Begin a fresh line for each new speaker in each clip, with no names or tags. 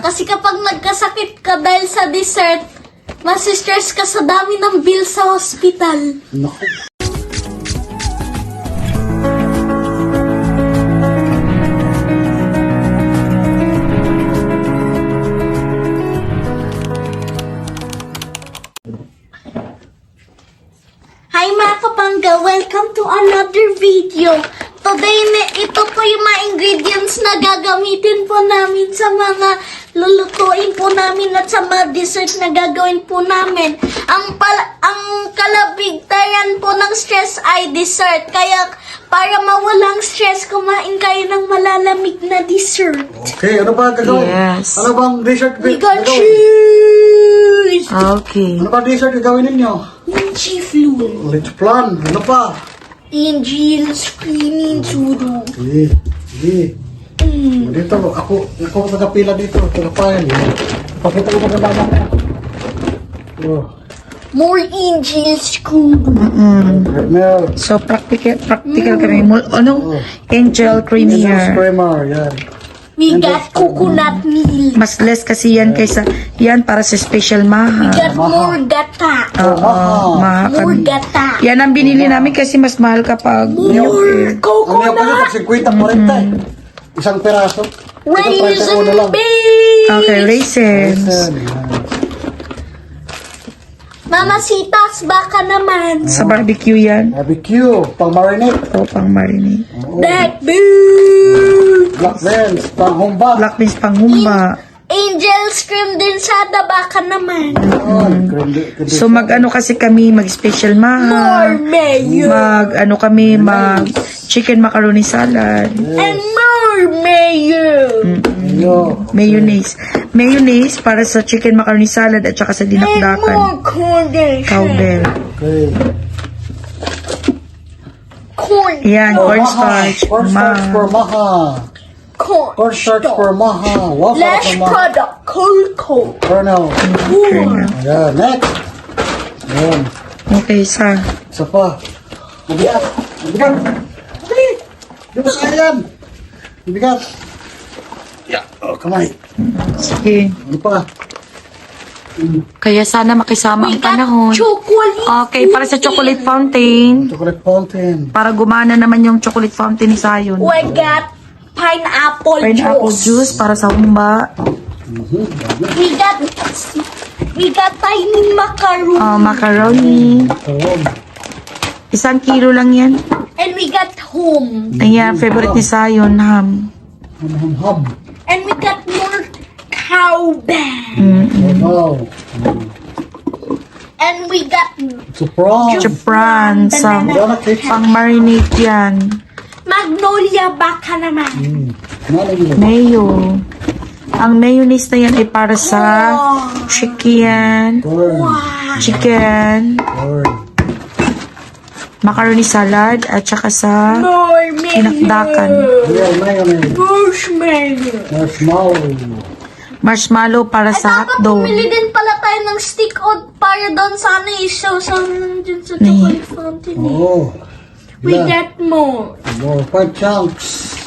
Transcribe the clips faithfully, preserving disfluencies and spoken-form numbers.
Kasi kapag nagkasakit ka dahil sa dessert, masistress ka sa dami ng bill sa hospital.
Naku.
Hi mga kapangga! Welcome to another video. Today, ito po yung mga ingredients na gagamitin po namin sa mga lulutuin po namin at sa mga dessert na gagawin po namin. Ang, pal ang kalabigtayan po ng stress ay dessert. Kaya para mawalang stress, kumain kayo ng malalamig na dessert.
Okay, ano ba gagawin?
Yes.
Ano bang dessert
We got
gagawin?
cheese!
Okay.
Ano bang dessert gagawin ninyo?
Ninji flu.
Let's plan. Ano pa?
Angel screaming suru.
Sige. Sige.
Mm.
Dito, ako, ako ang tagapila dito. Tagapayan. Pakita ko maganda mo. Oh.
More angel screw.
Mm.
Milk.
So, practical, practical kami. Mul- Ano? Angel
Milk
creamier.
creamer. Yan.
We got coconut milk.
Mas less kasi yan kaysa, yan para sa special
We
maha.
got more gata.
Oo, maha
More
kami.
gata.
Yan ang binili namin kasi mas mahal kapag milk.
More
Ang milk ko
coconut.
pag fifty, forty. Isang peraso. Ito,
Raisin
thirty-one na lang.
base.
Okay, raisins.
Yan, yan.
Mamasitas, baka naman.
Sa barbecue yan.
Barbecue. Pang marinate.
O, pang marinate.
Oo.
Black beans.
Black beans. Pang humba.
Black beans pang humba.
Angel scream din sada, baka naman.
Yan. Kundi- kundi-
So, mag-ano kasi kami, mag-special
More
maha.
mayo.
Mag-ano kami, mag-chicken macaroni salad.
And more mayo.
Yo.
Mayonnaise. Mayonnaise para sa chicken macaroni salad at saka sa
And
dinakdakan.
more condensation.
Cowbell.
Okay.
Corn.
Yan,
Oh,
cornstarch.
maha. Cornstarch
Ma.
for maha.
Corn.
Cornstarch for maha. Waffle
Last
for maha.
product, cocoa.
Kernel.
Kernel.
Ayan, next. Ayan.
Okay, sa.
Isa pa. Mabigat. Mabigat. Dali. Di ba sa yan? Mabigat. Yeah. Oh, kamay.
Sige.
Ano pa?
Kaya sana makisama
We
ang
got
panahon.
chocolate.
Okay, para sa chocolate fountain.
Chocolate fountain.
Para gumana naman yung chocolate fountain ni Sayon.
We got pineapple,
Pineapple
juice.
juice para sa humba.
We got we got tiny macaroon.
Uh, macaroni.
Karon.
Isang kilo lang yan.
And we got home.
Ayan, favorite ni Sayon, ham.
Ham-ham-ham.
And we got more cowbell.
Mm-mm.
Wow.
And we got
Surprise.
Chapran, sa
Banana cake.
pang marinate yan.
magnolia baka naman.
Mm. Nalang yun.
Mayo. Ang mayonnaise na yan ay para sa chicken,
Corn.
chicken,
Corn.
macaroni salad, at saka sa
More mayo.
Tinakdakan.
Real mayonnaise.
Marshmallow.
Marshmallow.
marshmallow para
Ay,
sa
dapat
hotdog.
bumili din pala tayo ng stick o para doon sana isaw sa dun sa chocolate fountain. eh.
Oh.
We
Yeah.
got more.
More five chunks.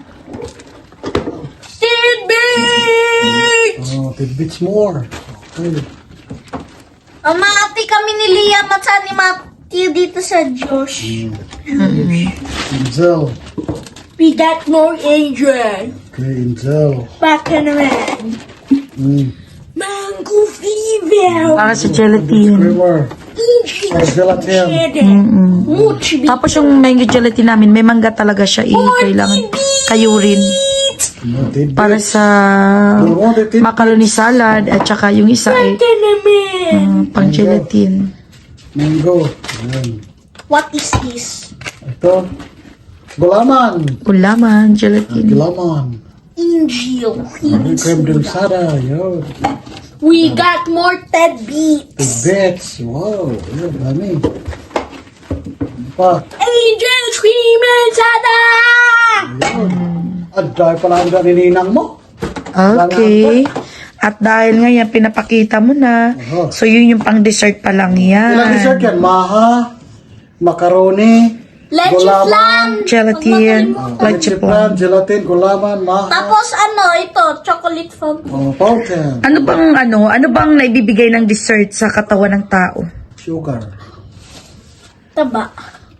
Tidbits!
Oh, tidbits more. Okay.
Ang mati kami ni Liam at sa ni Matthew dito sa Josh.
Inzel.
We got more angel.
Okay, Inzel.
Baka naman.
Mm.
Mango fever.
Para sa gelatin.
Creamer.
Angel.
Or gelatin.
Cheddar.
Mm-mm.
Much
Tapos yung mango gelatin namin, may mangga talaga siya. Eh, kailangan kayo rin.
No, tidbits.
Para sa
Oh, the tidbits.
macaroni salad at saka yung isa ay
Baka naman.
mm, pang gelatin.
Mango. Ayan.
What is this?
Ito. Gulaman.
Gulaman, gelatin.
Gulaman.
Angel.
May creme dulsada. Yo.
We got more tidbits.
Tidbits. Wow. Yan, dami. Ano pa?
Angel screaming sada.
Ayun. At dahil pala ang nininang mo.
Okay. At dahil nga yan, pinapakita mo na.
Aha.
So, yun yung pang dessert pa lang yan.
Ilang dessert yan? Maha, macaroni,
Leche
Gulaman.
flan.
Gelatin.
Huwag makalimutan.
Leche
Plan, gelatin, gulaman, maha.
Tapos ano, ito, chocolate fountain.
Oh, fountain.
Ano bang ano, ano bang naibibigay ng dessert sa katawan ng tao?
Sugar.
Taba.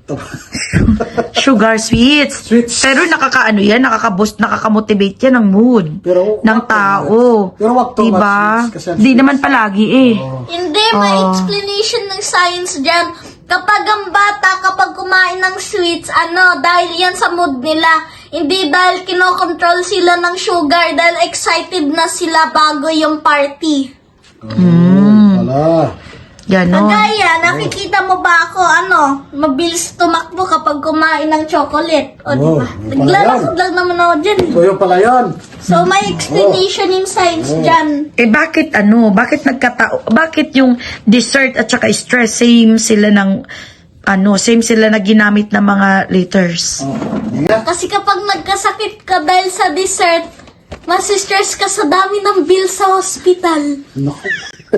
Sugar sweets.
Sweets.
Pero nakakaano yan, nakaka-boost, nakaka-motivate yan ng mood
Pero,
ng
wag-
tao.
Pero wag too much
Diba?
sweets kasi ang
Di
sweets-
naman palagi eh.
Hindi, may
Oh.
explanation ng science dyan. Kapag ang bata, kapag kumain ng sweets, ano, dahil yan sa mood nila. Hindi dahil kinokontrol sila ng sugar, dahil excited na sila bago yung party.
Mm. Wala.
Ganon.
Kagaya, nakikita mo ba ako, ano, mabilis tumakbo kapag kumain ng chocolate. O,
Oh,
diba?
yun pala
Naglalakad lang naman ako dyan. eh.
So, yun pala yun.
So, may explanation yung science dyan.
Eh bakit ano, bakit nagkatao, bakit yung dessert at saka stress same sila ng ano, same sila na ginamit ng mga letters.
Oh, hindi nga.
Kasi kapag nagkasakit ka dahil sa dessert, masistress ka sa dami ng bill sa hospital.
Naku.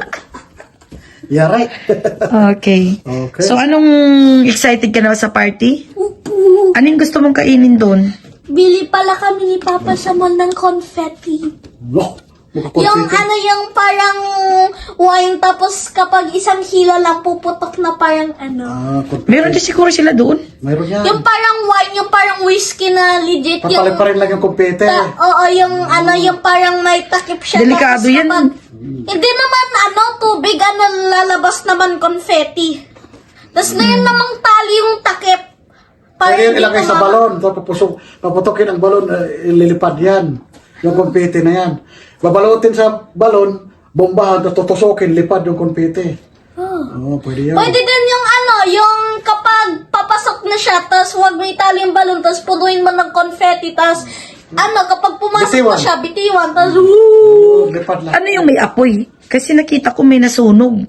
Yeah, right.
Okay.
Okay.
So anong excited ka na ba sa party? Anong gusto mong kainin doon?
Bili pala kami ni Papa sa mall ng confetti.
No.
Yung ano, yung parang wine, tapos kapag isang hila lang puputok na parang ano.
Ah, confetti.
Meron din siguro sila doon.
Mayroon yan.
Yung parang wine, yung parang whiskey na legit. Yung,
Papalit pa rin lang yung kumpete.
ta- oo, yung ano, yung parang may takip siya.
Delikado
Tapos
yan.
kapag- hindi naman ano, tubig, ano, lalabas naman confetti. Tapos na yun namang tali yung takip. Para
Pwede yun
hindi
ilagay sa
tumama-
balon. Tapos papusok, paputokin ang balon, eh, ililipad yan. Yung kumpete na yan. Babalutin sa balon, bombahan, tapos tutusokin, lipad yung kumpete. Oo, oh, pwede yan.
Pwede din yung ano, yung kapag papasok na siya, tapos huwag mo itali yung balon, tapos punuin mo ng confetti, tapos ano, kapag pumasok
Bitiwan.
na siya, bitiwan, tapos woo!
Oo, lipad lang.
Ano yung may apoy? Kasi nakita ko may nasunog.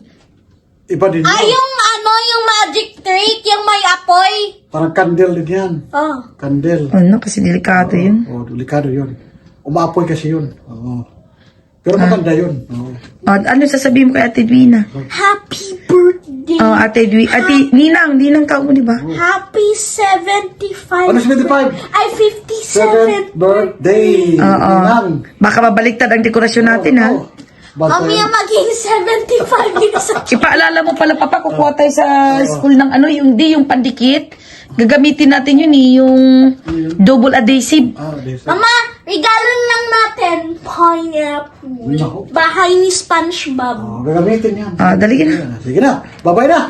Iba din
Ah,
yun.
yung ano, yung magic trick, yung may apoy.
Parang candle din yan.
Oh.
Candle.
Ano, kasi delikado yun.
Oo, delikado yun. Umaapoy kasi yun. Oo. Pero maganda yun. Oo.
Oh, ano sasabihin mo kay Ate Edwina?
Happy birthday.
Oh, Ate Edwina. Ate, Ninang, Ninang ka mo, di ba?
Happy seventy-five.
Ano seventy-five?
Ay, fifty-seven.
Seventh birthday.
Oo.
Ninang.
Baka mabaliktad ang dekorasyon natin, ha?
Oo. Basta
Kami
yun.
ang maging seventy-five din sa
Ipaalala mo pala, Papa, kukuha tayo sa school ng ano, yung di, yung pandikit. Gagamitin natin yun eh, yung double adhesive.
Ah, this.
Mama, regalo lang natin. Pineapple.
Naku.
Bahay ni SpongeBob.
Oh, gagamitin yan.
Ah, dali na.
Sige na. Bye-bye na.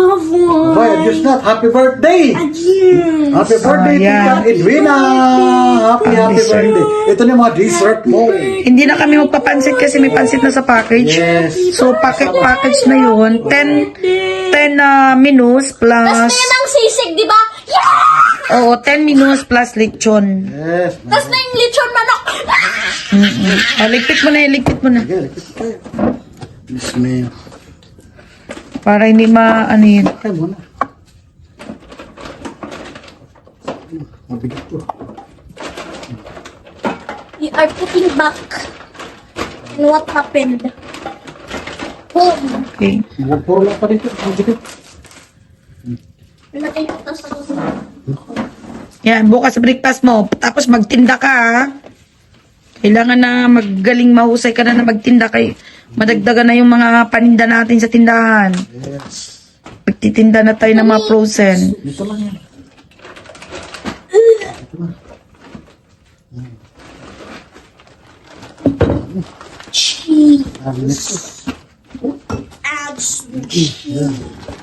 Wow.
Bye. Adios na. Happy birthday.
Adieu.
Happy birthday,
Ayan.
Tita Edwina. Happy, happy
Dessert.
birthday. Ito na yung mga dessert mo.
Hindi na kami magpapansit kasi may pansit na sa package.
Yes.
So, packet package na yun. ten, ten uh, menus
Tapos
plus,
na yun ang sisig, di ba? Yeah!
oo, ten menus plus lechon.
Yes.
Tapos na yung lechon manok.
Mm-mm. Oh, ligpit mo na yun, ligpit mo na.
Sige, likit tayo. Yes, ma'am.
Para hindi ma, ano yun.
Kaya mo na. Mabigat to.
We are putting back in what happened. Home.
Okay.
Puro lang pa dito. Mabigat.
Ilagay ko to sa kusina.
Yan, bukas breakfast mo. Tapos magtinda ka, ha? Kailangan na magaling mahusay ka na na magtinda kay madagdagan na yung mga paninda natin sa tindahan.
Yes.
Magtitinda na tayo ng mga frozen.
Dito lang yan.
Cheese.
Ah, next.
Add some cheese.
Yan.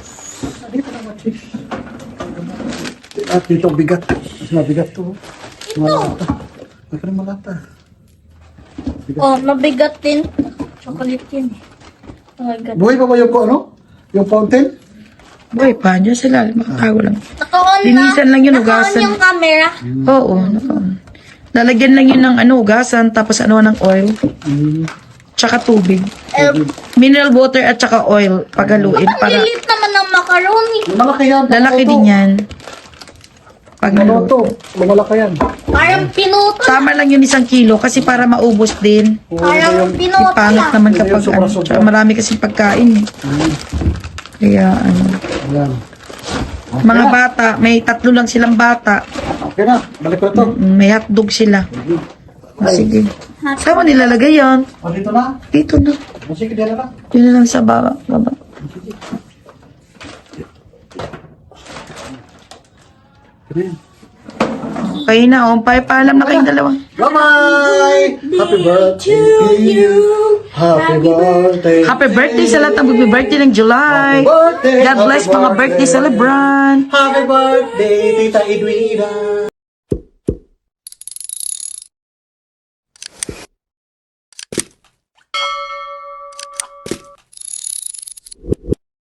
At dito bigat. Mas mabigat to. Malata. Baka na malata.
Oh, mabigat din. Chocolate yun eh. Oh my God.
Buhay pa ba yung ano? Yung fountain?
Boy, pa, dyan sila. Makatago lang.
Naka-on na.
Linisan lang yun,
Naka-on
hugasan.
yung camera.
Oo, naka- lalagyan lang yun ng ano, ugasan, tapos ano ng oil.
Mm.
Tsaka tubig.
Eh,
Mineral water at tsaka oil. Pagaluin
ang
para
lilit naman ng macaroni.
Malaki yan.
lalaki din yan. Pag
Ano to? Malaki yan.
Parang pinuto.
Sama lang yun isang kilo kasi para maubos din.
Parang pinuto
Pangit
lang.
naman
Hindi
kapag
yung
ano.
sobra-sobra.
Tsaka marami kasi pagkain. eh.
Mm.
Kaya ano.
Ayan.
Mga bata, may tatlo lang silang bata.
Okay na, balik ko na to.
Mm, May hotdog sila.
Ay,
Sige. Saan mo nilalagay yan?
oh, dito na.
Dito na.
Oh, sige, dito na.
Yun na lang sa baba. baba.
Sige.
Kayo na, oh. Pa paalam na kayong dalawa.
Bye-bye! Happy birthday to you! Happy birthday!
Happy birthday sa lahat ng mag-birthday ng July.
Happy birthday!
God bless
Happy
mga birthday celebrant.
Happy birthday, Tita Edwina!